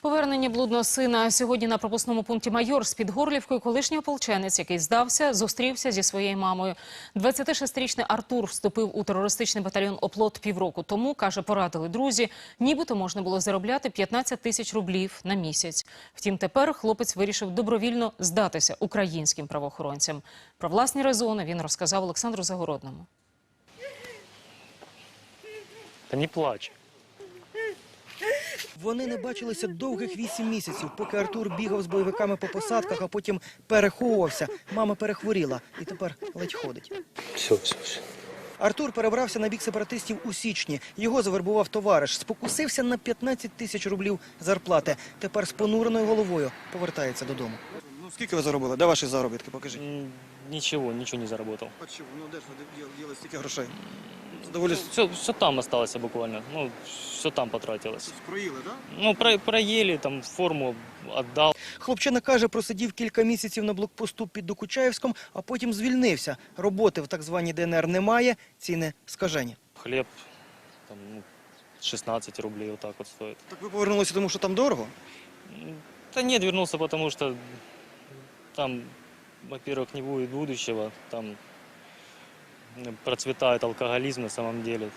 Повернення блудного сина. Сьогодні на пропускному пункті «Майор» з-під Горлівкою колишній ополченець, який здався, зустрівся зі своєю мамою. 26-річний Артур вступив у терористичний батальйон «Оплот» півроку тому. Каже, порадили друзі, нібито можна було заробляти 15 тисяч рублів на місяць. Втім, тепер хлопець вирішив добровільно здатися українським правоохоронцям. Про власні резони він розказав Олександру Загородному. Та не плач. Вони не бачилися довгих 8 місяців, поки Артур бігав з бойовиками по посадках, а потім переховувався. Мама перехворіла і тепер ледь ходить. Все. Артур перебрався на бік сепаратистів у січні. Його завербував товариш. Спокусився на 15 тисяч рублів зарплати. Тепер з понуреною головою повертається додому. Ну, скільки ви заробили? Де ваші заробітки? Покажіть. Ничего не заработал. Чому? Ну, де ж ви діли стільки грошей? Доволі... Все там осталось буквально. Ну, все там потратилось. Проїли, так? Ну, проели, там форму отдал. Хлопчина каже, просидів кілька місяців на блокпосту під Докучаєвськом, а потім звільнився. Роботи в так званій ДНР немає, ціни скажені. Хлеб там, 16 рублей вот так вот стоит. Так ви повернулися, тому що там дорого? Да нет, вернулся, потому что там, во-первых, не будет будущего, там процветает алкоголизм на самом деле.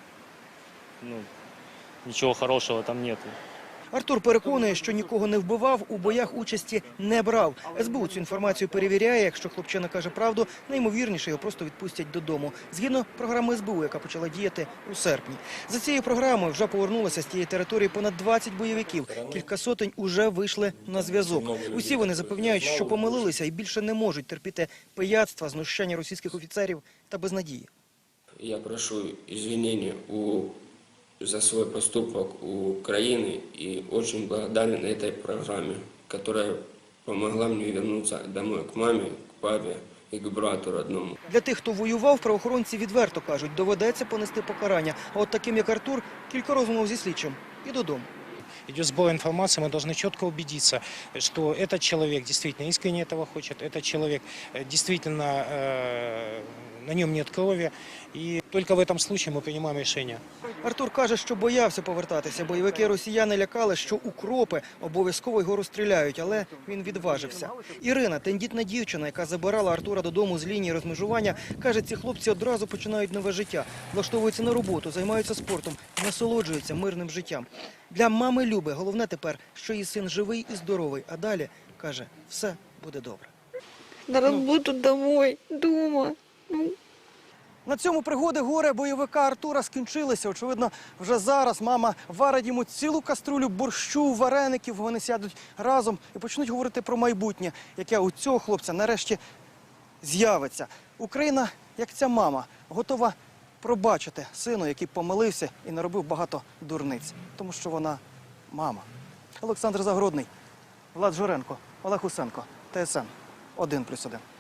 Ну, ничего хорошего там нету. Артур переконує, що нікого не вбивав, у боях участі не брав. СБУ цю інформацію перевіряє. Якщо хлопчина каже правду, найімовірніше його просто відпустять додому. Згідно програми СБУ, яка почала діяти у серпні. За цією програмою вже повернулося з тієї території понад 20 бойовиків. Кілька сотень уже вийшли на зв'язок. Усі вони запевняють, що помилилися і більше не можуть терпіти пияцтва, знущання російських офіцерів та безнадії. Я прошу извинения за свой поступок у Украины и очень благодарен этой программе, которая помогла мне вернуться домой к маме, к папе и к брату родному. Для тих, хто воював, правоохоронці відверто кажуть, доведеться понести покарання. А от таким, як Артур, кілька розмов зі слідчим і додому. Идет сбор информации, мы должны четко убедиться, что этот человек действительно искренне этого хочет, этот человек действительно, на нем нет крови, и только в этом случае мы принимаем решение. Артур каже, що боявся повертатися. Бойовики росіяни лякали, що укропи обов'язково його розстріляють, але він відважився. Ірина, тендітна дівчина, яка забирала Артура додому з лінії розмежування, каже, ці хлопці одразу починають нове життя, влаштовуються на роботу, займаються спортом, насолоджуються мирним життям. Для мами Люби головне тепер, що її син живий і здоровий, а далі, каже, все буде добре. На роботу домой, дома. На цьому пригоди горе бойовика Артура скінчилися. Очевидно, вже зараз мама варить йому цілу каструлю борщу, вареників. Вони сядуть разом і почнуть говорити про майбутнє, яке у цього хлопця нарешті з'явиться. Україна, як ця мама, готова пробачити сину, який помилився і наробив багато дурниць. Тому що вона мама. Олександр Загородний, Влад Журенко, Олег Усенко, ТСН 1+1.